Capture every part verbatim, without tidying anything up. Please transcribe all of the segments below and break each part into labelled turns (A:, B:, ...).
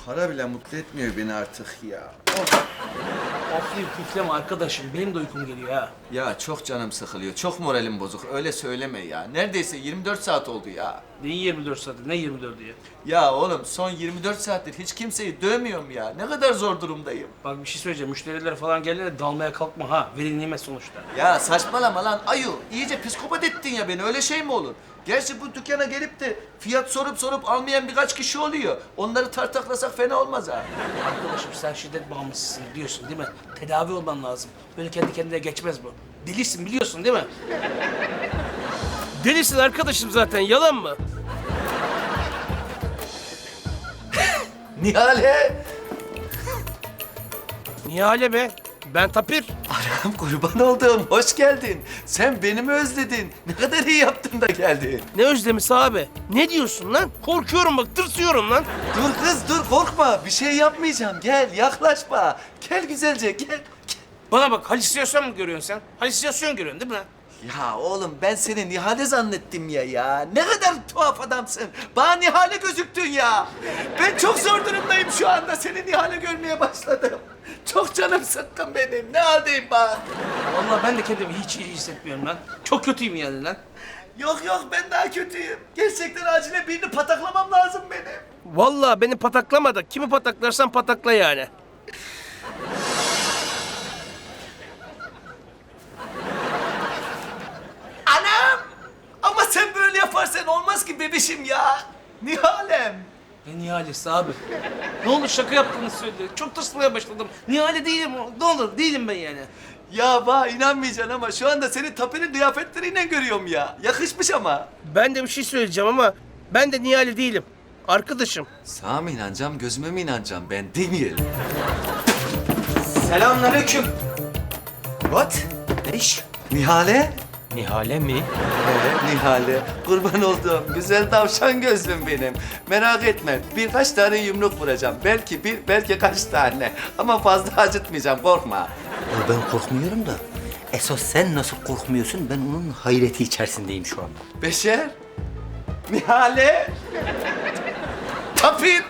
A: para bile mutlu etmiyor beni artık ya.
B: Oflayıp püfleme arkadaşım. Benim de uykum geliyor ha.
A: Ya çok canım sıkılıyor, çok moralim bozuk. Öyle söyleme ya. Neredeyse yirmi dört saat oldu ya.
B: Ne yirmi dört saati? Ne yirmi dördü ya?
A: Ya oğlum son yirmi dört saattir hiç kimseyi dövmüyorum ya. Ne kadar zor durumdayım.
B: Bak bir şey söyleyeceğim. Müşteriler falan geldiğinde dalmaya kalkma ha. Veli nimet sonuçta.
A: Ya saçmalama lan ayu. İyice psikopat ettin ya beni. Öyle şey mi olur? Gerçi bu dükkana gelip de fiyat sorup sorup almayan birkaç kişi oluyor. Onları tartaklasak fena olmaz ha.
B: Arkadaşım sen şiddet bağımlısısın biliyorsun değil mi? Tedavi olman lazım. Böyle kendi kendine geçmez bu. Delisin biliyorsun değil mi? Delisin arkadaşım zaten. Yalan mı?
A: Nihale!
B: Nihale be. Ben Tapir.
A: Anam kurban olduğum hoş geldin. Sen beni mi özledin? Ne kadar iyi yaptın da geldin.
B: Ne özlemisi abi? Ne diyorsun lan? Korkuyorum bak, tırsıyorum lan.
A: Dur kız dur korkma. Bir şey yapmayacağım. Gel yaklaşma. Gel güzelce gel. gel.
B: Bana bak, halüsinasyon mu görüyorsun sen? Halüsinasyon görüyorsun değil mi lan?
A: Ya oğlum ben seni Nihale zannettim ya ya. Ne kadar tuhaf adamsın. Bana Nihale gözüktün ya. Ben çok zor durumdayım şu anda. Seni Nihale görmeye başladım. Çok canım sıkkın benim. Ne haldeyim bak.
B: Vallahi ben de kendimi hiç iyi hissetmiyorum lan. Çok kötüyüm yani lan.
A: Yok yok ben daha kötüyüm. Gerçekten acile birini pataklamam lazım benim.
B: Vallahi beni pataklama da kimi pataklarsan patakla yani.
A: Anam! Ama sen böyle yaparsan olmaz ki bebişim ya. Nihalem.
B: Ne Nihalesi abi? Ne olur şaka yaptığını söyle. Çok tırsmaya başladım. Nihale değilim. Ne olur değilim ben yani.
A: Ya bana inanmayacaksın ama şu anda seni Tapi'nin kıyafetleriyle görüyorum ya. Yakışmış ama.
B: Ben de bir şey söyleyeceğim ama ben de Nihale değilim. Arkadaşım.
A: Sana mı inanacağım, gözüme mi inanacağım ben değil.
C: Selamünaleyküm. What? Ne iş?
A: Nihale?
C: Nihale mi?
A: He, Nihale. Kurban olduğum güzel tavşan gözlüm benim. Merak etme, birkaç tane yumruk vuracağım. Belki bir, belki kaç tane. Ama fazla acıtmayacağım, korkma.
C: Ya ben korkmuyorum da. Esas sen nasıl korkmuyorsun? Ben onun hayreti içerisindeyim şu an.
A: Beşer. Nihale. Tapir.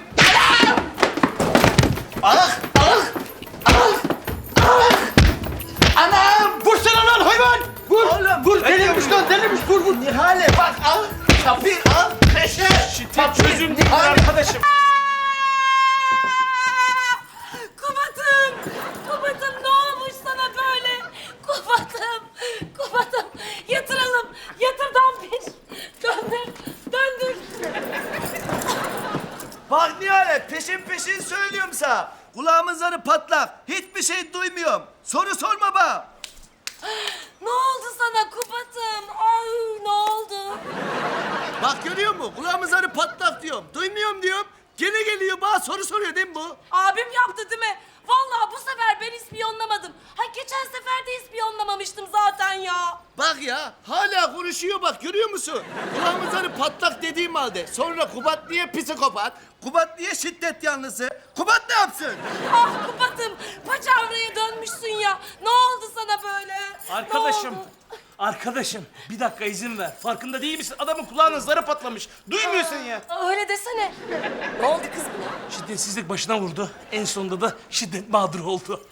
A: Ah! Ah! Ah! Ah! Anam!
B: Vursana lan hayvan! Vur!
A: Oğlum,
B: vur!
A: ne
B: Delirmiş
A: diyorsun?
B: lan delirmiş! Vur vur!
A: Nihale bak al! Tapir al! Beşer!
B: Şiddet çözüm değil arkadaşım.
D: Kubat'ım! Kubat'ım ne olmuş sana böyle? Kubat'ım! Kubat'ım! Yatıralım! Yatır Dampir! Döndür! Döndür!
A: Bak Nihale peşin peşin söylüyorum sana. Kulağımın zarı patlak. Hiçbir şey duymuyorum. Soru sorma bana.
D: Ne oldu sana Kubat'ım? Ay ne oldu?
A: Bak görüyor musun? Kulağımın zarı patlak diyorum. Duymuyorum diyorum. Gene geliyor bana soru soruyor değil mi bu?
D: Abim yaptı değil mi? Vallahi bu sefer ben ispiyonlamadım. Ha geçen sefer de ispiyonlamamıştım zaten ya.
A: Bak ya hala konuşuyor bak görüyor musun? Kulağımın zarı patlak dediğim halde. Sonra Kubat niye psikopat? Kubat niye şiddet yanlısı? Kubat ne yapsın?
D: Ah Kubat'ım paçavraya dönmüşsün ya. Ne oldu sana böyle? Ne
B: Arkadaşım.
D: oldu?
B: Arkadaşım bir dakika izin ver. Farkında değil misin? Adamın kulağının zarı patlamış. Duymuyorsun ya.
D: Aa, öyle desene. Ne oldu kız buna?
B: Şiddetsizlik başına vurdu. En sonunda da şiddet mağduru oldu.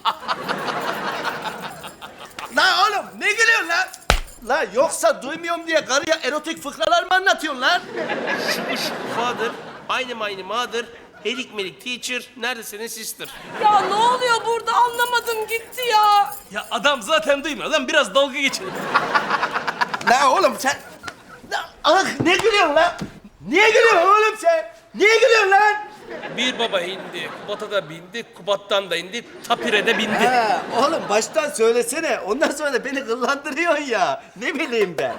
A: Lan oğlum ne gülüyorsun lan? La yoksa duymuyorum diye karıya erotik fıkralar mı anlatıyorsun lan?
B: Şukuş father, aynı mine mother, helik melik teacher, nerede senin sister?
D: Ya ne oluyor burada anlamadım gitti ya.
B: Ya adam zaten duymuyor lan biraz dalga geçelim.
A: La oğlum sen... La, ah ne gülüyorsun lan? Niye gülüyorsun oğlum sen? Niye gülüyorsun lan?
B: Bir baba indi, Kubat'a da bindi, Kubat'tan da indi, Tapir'e de bindi.
A: Ha, oğlum baştan söylesene. Ondan sonra da beni kıllandırıyorsun ya. Ne bileyim ben.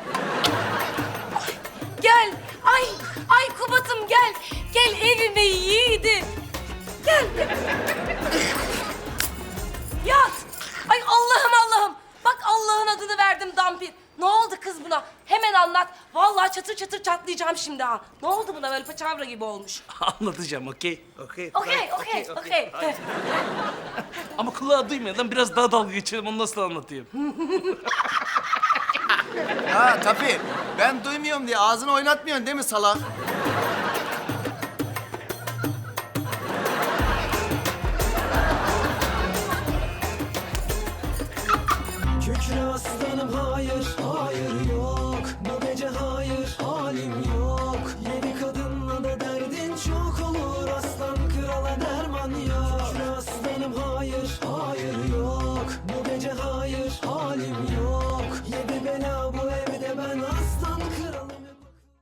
D: Gel. Ay, ay Kubat'ım gel. Gel evime yiğidim. Gel. Yat. Ay Allah'ım Allah'ım. Bak Allah'ın adını verdim Dampir. Ne oldu kız buna? Hemen anlat. Vallahi çatır çatır çatlayacağım şimdi ha. Ne oldu buna böyle paçavra gibi olmuş?
B: Anlatacağım, okey? Okey.
D: Okey, okey, okey.
B: Ama kulağı duymuyor lan, biraz daha dalga geçelim, onu nasıl anlatayım?
A: Ha tabii. Ben duymuyorum diye ağzını oynatmıyorsun değil mi salak?
E: halim yok. Yeni kadınla da derdin çok olur, aslan krala derman yok. Şükür aslanım hayır, hayır yok. Bu gece hayır, halim yok.